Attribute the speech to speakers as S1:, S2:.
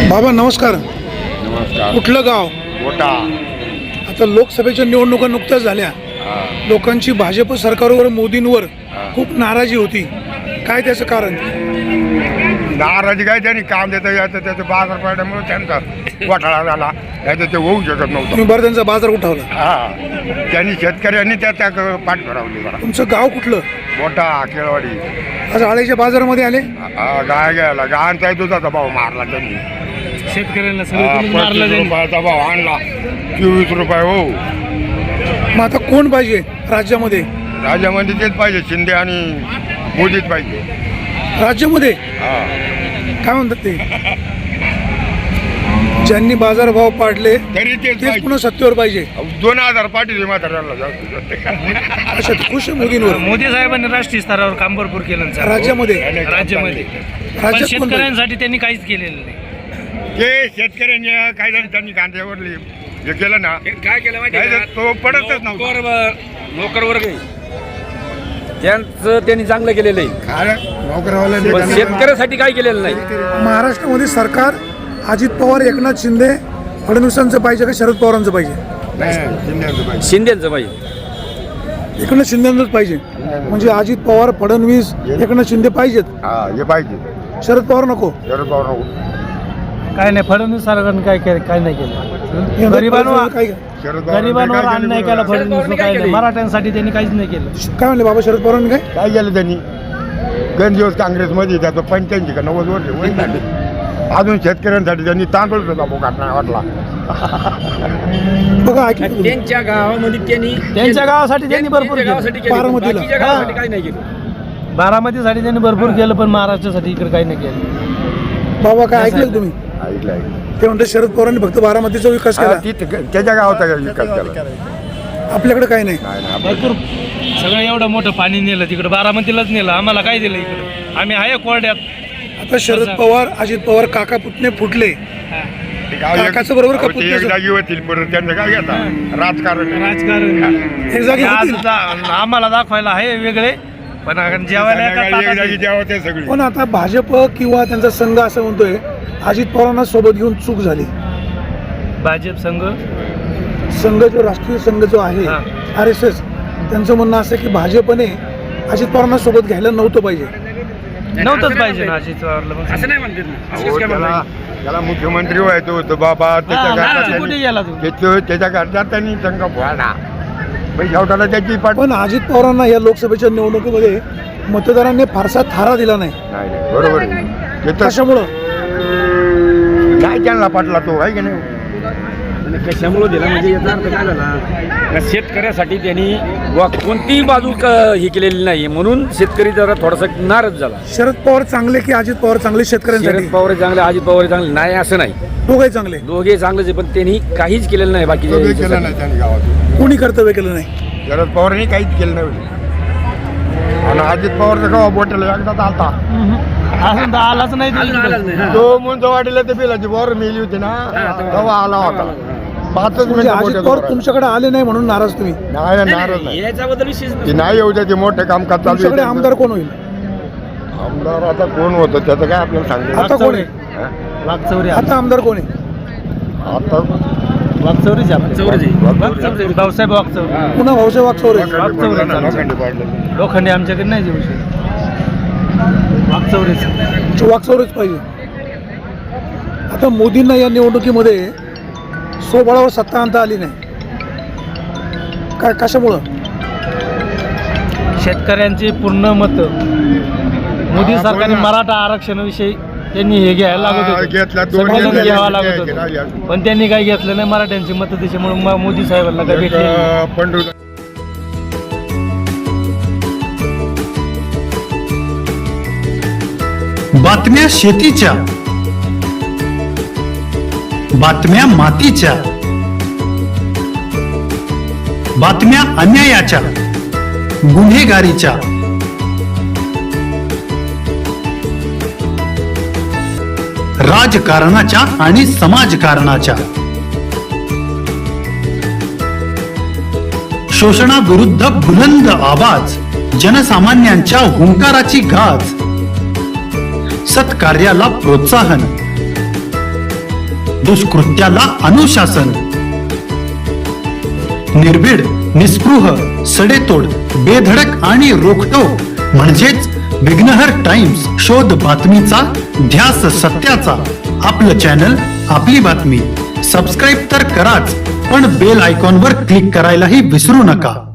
S1: बाबा नमस्कार.
S2: नमस्कार.
S1: कुठलं गाव?
S2: मोठा.
S1: आता लोकसभेच्या निवडणुका नुकत्याच झाल्या. लोकांची भाजप सरकारवर मोदींवर खूप नाराजी होती. काय त्याचं कारण?
S2: नाराजी काय त्यांनी काम देता यायचं त्याचं बाजार पडल्यामुळे त्यांचा घोटाळा झाला. याचं ते होऊ शकत नव्हतं.
S1: तुम्ही बरं त्यांचा बाजार उठवला.
S2: त्यांनी शेतकऱ्यांनी त्याच्या पाठ फिरवली. बरं
S1: तुमचं गाव कुठलं?
S2: मोठा केळवाडी.
S1: आज आळ्याच्या बाजारामध्ये आले.
S2: गाय घ्यायला गायांचा दुधाचा भाव मारला त्यांनी.
S3: शेतकऱ्यांना
S2: 25 रुपयाचा भाव आणला. 24 रुपये. हो.
S1: मग आता कोण पाहिजे राज्यामध्ये?
S2: राज्यामध्ये तेच पाहिजे, शिंदे आणि मोदीच पाहिजे.
S1: राज्यामध्ये काय म्हणतात ते? ज्यांनी बाजारभाव पाडले
S2: तरी
S1: तेच पुन्हा सत्तेवर पाहिजे.
S2: 2000 पाठीचे म्हाताऱ्याला जास्त.
S1: अशा खुश आहे मोदींवर.
S3: मोदी साहेबांनी राष्ट्रीय स्तरावर काम भरपूर केलं सर.
S1: राज्यामध्ये
S3: पण
S1: राज्यात कोण
S3: शेतकऱ्यांसाठी त्यांनी काहीच केलेलं नाही.
S2: ते शेतकऱ्यांनी काय झालं, त्यांनी कांद्यावर हे केलं ना,
S3: काय केलं
S2: काय झालं, तो पडतच नव्हता.
S4: नोकर वर्ग त्यांचं त्यांनी चांगलं केलेलं आहे. पण शेतकऱ्यासाठी काय केलेलं नाही.
S1: महाराष्ट्रामध्ये सरकार अजित पवार, एकनाथ शिंदे, फडणवीसांचं पाहिजे का शरद पवारांचं पाहिजे?
S4: शिंदेचं पाहिजे.
S1: एकनाथ शिंदेंचंच पाहिजे. म्हणजे अजित पवार, फडणवीस, एकनाथ शिंदे पाहिजेत.
S2: हे पाहिजे.
S1: शरद पवार नको.
S2: शरद पवार नको.
S3: काय नाही, फडणवीस सरकारने काय नाही केलं. गरिबांवर अन्याय केला फडणवीस. काय नाही, मराठ्यांसाठी त्यांनी काहीच नाही केलं.
S1: काय म्हणले बाबा शरद पवारांनी?
S2: काय केलं त्यांनी? गण दिवस काँग्रेसमध्ये त्याचं 85 का 90 वर्ष वय झाले. अजून शेतकऱ्यांसाठी त्यांनी तांदूळ सुद्धा बोकाट नाही वाटला.
S1: बघा ऐकलं
S4: त्यांच्या गावामध्ये
S3: त्यांच्या गावासाठी त्यांनी भरपूर केलं.
S1: बारामतीला.
S4: बाकीच्या गावासाठी काही नाही केलं.
S3: बारामतीसाठी त्यांनी भरपूर केलं, पण महाराष्ट्रासाठी इकडे काही नाही केलं.
S1: बाबा काय ऐकलं तुम्ही?
S2: ऐकलं.
S1: ते म्हणते शरद पवारांनी फक्त बारामतीचा विकास केला,
S2: त्याच्या गावाचा विकास केला.
S1: आपल्याकडे काही नाही.
S3: भरपूर सगळं एवढं मोठं पाणी नेलं तिकडे, बारामतीलाच नेलं. आम्हाला काय दिलं इकडे? आम्ही आहे कोरड्यात.
S1: आता शरद पवार, अजित पवार काका पुतणे फुटले. काकाचं बरोबर का
S2: एक
S1: पुतण्याचं?
S2: जागी होतील परत त्यांचं काय घेता राजकारण.
S3: राजकारण
S1: एक जागी
S3: आज
S1: होतील.
S3: आम्हाला दाखवायला आहे वेगळे, पण जेवायला एका
S2: एक
S3: ताटात
S2: जागी जेव्हा ते सगळी.
S1: पण आता भाजप किंवा त्यांचा संघ असं म्हणतोय अजित पवारांना सोबत घेऊन चूक झाली.
S3: भाजप
S1: संघ जो राष्ट्रीय संघ जो आहे RSS, त्यांचं म्हणणं असं की भाजपने अजित पवारांना सोबत घ्यायला नव्हतं पाहिजे.
S3: नव्हतंच पाहिजे ना अजित पवारला. असं नाही
S2: अहो, त्याला मुख्यमंत्री व्हायचं होतं बाबा. त्याच्या घरच्यात त्यांनी संघ फोडला. शेवटाला त्याची पाठ.
S1: पण अजित पवारांना या लोकसभेच्या निवडणुकीमध्ये मतदारांनी फारसा थारा दिला नाही.
S2: नाही बरोबर आहे.
S1: कशामुळं?
S2: काय त्यांना पाटला तो आहे की नाही?
S4: कशामुळे दिला म्हणजे याचा अर्थ काय झाला? शेतकऱ्यासाठी त्यांनी कोणतीही बाजू ही केलेली नाही, म्हणून शेतकरी जरा थोडासा नाराज झाला.
S1: शरद पवार चांगले की अजित पवार चांगले शेतकऱ्यांसाठी?
S4: शरद पवार चांगले, अजित पवार चांगले नाही असं नाही.
S1: दोघे चांगले.
S4: दोघे चांगलेच आहे, पण त्यांनी काहीच केलेलं नाही. बाकी
S2: केलं नाही त्यांनी गावात.
S1: कोणी कर्तव्य केलं नाही.
S2: शरद पवारांनी काहीच केलं नाही. आणि अजित पवारचं गावा बोटायला एकदाच आलता.
S3: अजून तर आलाच नाही.
S2: तो मुंज वाढीला ते बिलाची बोर मेली होती ना, तेव्हा आला होता. 5
S1: म्हणजे अजित पवार तुमच्याकडे आले नाही म्हणून नाराज तुम्ही?
S2: नाही नाराज नाही.
S4: याच्याबद्दल विशेष
S2: ती नाही येऊ द्या. ते मोठे काम करतात.
S1: तुमच्याकडे आमदार कोण होईल?
S2: आमदार आता कोण होतं त्याचं काय आपल्याला सांगितलं.
S1: आता कोण आहे?
S3: वागचौरी.
S1: आता आमदार कोण आहे?
S2: आता
S3: वागचौरीच भाऊसाहेब वागचौरी.
S1: पुन्हा भाऊसाहेब वागचौरे.
S3: लोखंडे आमच्याकडे नाही देऊ शकत.
S1: वागचौरेच पाहिजे. आता मोदींना या निवडणुकीमध्ये स्वबळावर सत्ता आणता आली नाही. काय कशामुळं?
S3: शेतकऱ्यांची पूर्ण मत मोदी सरकारने मराठा आरक्षणाविषयी त्यांनी हे घ्यायला लागत होतं, घ्यावं लागत होतं, पण त्यांनी काही घेतलं नाही. मराठ्यांची मतं त्याच्यामुळे मोदी साहेबांना काय भेटले.
S5: बातम्या शेतीच्या, बातम्या मातीच्या, बातम्या अन्यायाच्या, गुन्हेगारीच्या, राजकारणाच्या आणि समाजकारणाच्या, शोषणाविरुद्ध बुलंद आवाज, जनसामान्यांच्या हुंकाराची गाज, सत्कार्याला प्रोत्साहन, दुष्कृत्याला अनुशासन. निर्भीड, निस्पृह, सडेतोड, बेधडक आणि रोखटोक म्हणजेच विघ्नहर टाइम्स. शोध बातमीचा, ध्यास सत्याचा. आपलं चॅनल, आपली बातमी. सबस्क्राईब तर कराच, पण बेल आयकॉनवर क्लिक करायलाही विसरू नका.